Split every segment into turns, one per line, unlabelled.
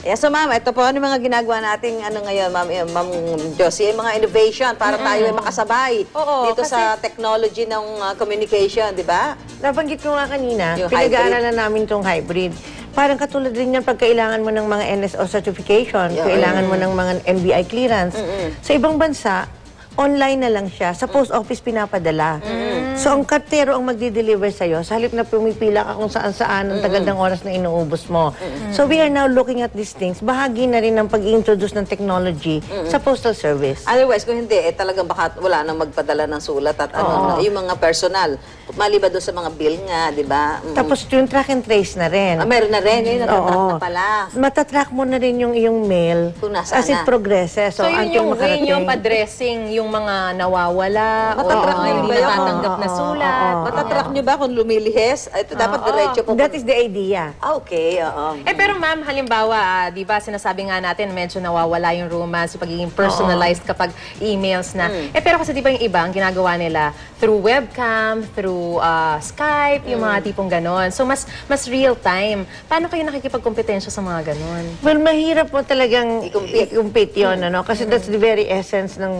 Yeah, so ma'am, ito po ano mga ginagawa nating ano ngayon, ma'am Josie, mga innovation para tayo ay makasabay dito sa technology ng communication, di ba?
Nabanggit ko nga kanina,
Yung
pinag-aaralan namin itong hybrid. Parang katulad rin yan pag kailangan mo ng mga NSO certification, kailangan mo ng mga NBI clearance. Sa ibang bansa, online na lang siya. Sa post office pinapadala. So, ang kartero ang magdi-deliver sa'yo. Sa halip na pumipila ka kung saan-saan ang tagal ng oras na inuubos mo. So, we are now looking at these things. Bahagi na rin ng pag-introduce ng technology sa postal service.
Otherwise, kung hindi, talagang baka wala nang magpadala ng sulat at ano, yung mga personal. Maliban doon sa mga bill nga, di ba?
Tapos, yung track and trace na rin.
Meron na rin. Yung natatrack na pala.
Matatrack mo na rin yung iyong mail as it progresses.
So, yun yung way yung pa-dressing yung mga nawawala o hindi natatanggap na sulat.
Matatrack nyo ba kung lumilihis? Ito dapat diretso po.
That is the idea.
Okay, oo.
Pero ma'am, halimbawa, di ba, sinasabi nga natin, medyo nawawala yung romance, yung pagiging personalized kapag emails na. Pero kasi di ba yung iba, ang ginagawa nila through webcam, through Skype, yung mga tipong ganon. So, mas real time. Paano kayo nakikipagkompetensya sa mga ganon?
Well, mahirap mo talagang i-compete yun, ano? Kasi that's the very essence ng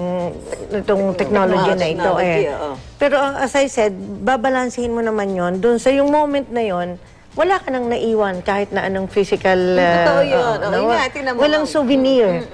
itong technology na ito. Pero as I said, babalansehin mo naman yon doon sa yung moment na yon, wala ka nang naiwan kahit na anong physical...
Totoo yun.
Walang souvenir.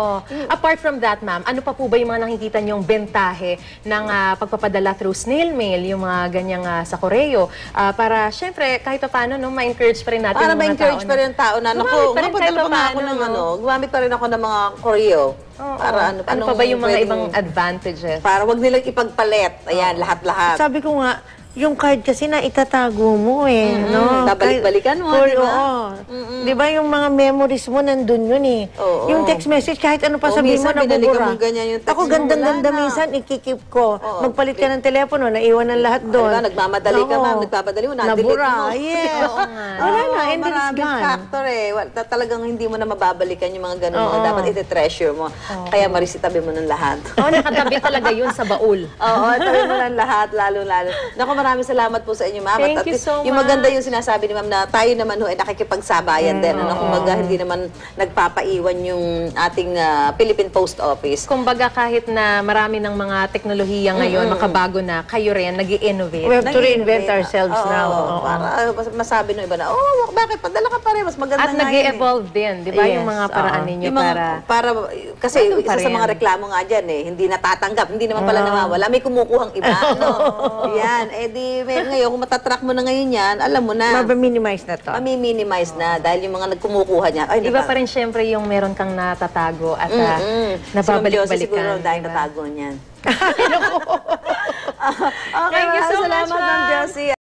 Apart from that, ma'am, ano pa po ba yung mga nakikita niyong bentahe ng pagpapadala through snail mail, yung mga ganyang sa koreo? Para, syempre, kahit pa paano, no, ma-encourage pa rin natin
para
yung mga
ma-encourage pa rin tao na, naku, napadala pa nga ako ng gumamit pa rin ako ng mga koreo. Para
ano pa ba yung mga ibang advantages?
Para wag nilang ipagpalit. Ayan, lahat-lahat.
Sabi ko nga, yung card kasi na itatago mo no?
Babalik-balikan mo, di ba?
Di ba yung mga memories mo nandun yun Yung text message, kahit ano pa sabihin mo, nabubura. Ako gandang-ganda minsan, ikikip ko. Magpalit ka ng telepono, naiwan ang lahat doon.
Nagmamadali ka, ma'am, nagpapadali mo, na-delete mo.
Nabura, yes. Wala na, and then it's gone.
Factor talagang hindi mo na mababalikan yung mga ganun mo. Dapat iti-treasure mo. Kaya marisitabi mo ng lahat.
Nakatabi talaga yun sa baul.
Tabi mo ng lahat, lalo-lalo. Naku, maraming salamat po sa inyo, ma'am.
Thank you so much.
Yung maganda yung sinasabi ni ma'am na tayo naman ay nakikipagsabayan din. Kumbaga, hindi naman nagpapaiwan yung ating Philippine Post Office.
Kumbaga, kahit na marami ng mga teknolohiya ngayon, makabago na, kayo rin, nag-i-innovate.
We have to reinvent ourselves now.
Para masabi ng iba na, bakit? Padala ka pa rin. Mas maganda
at nag-i-evolve din, di ba? Yung mga paraan ninyo
kasi isa sa mga reklamo nga dyan, hindi natatanggap. Hindi naman pala nawawala. May kumukuhang iba. Yan. Ngayon, kung matatrack mo na ngayon yan, alam mo na.
Mabaminimize na to.
Mami-minimize na dahil yung mga nagkumukuha niya.
Iba pa rin syempre yung meron kang natatago at nababalik-balikan.
Siguro dahil natago niyan.
Thank you so much,
Ma'am Josie.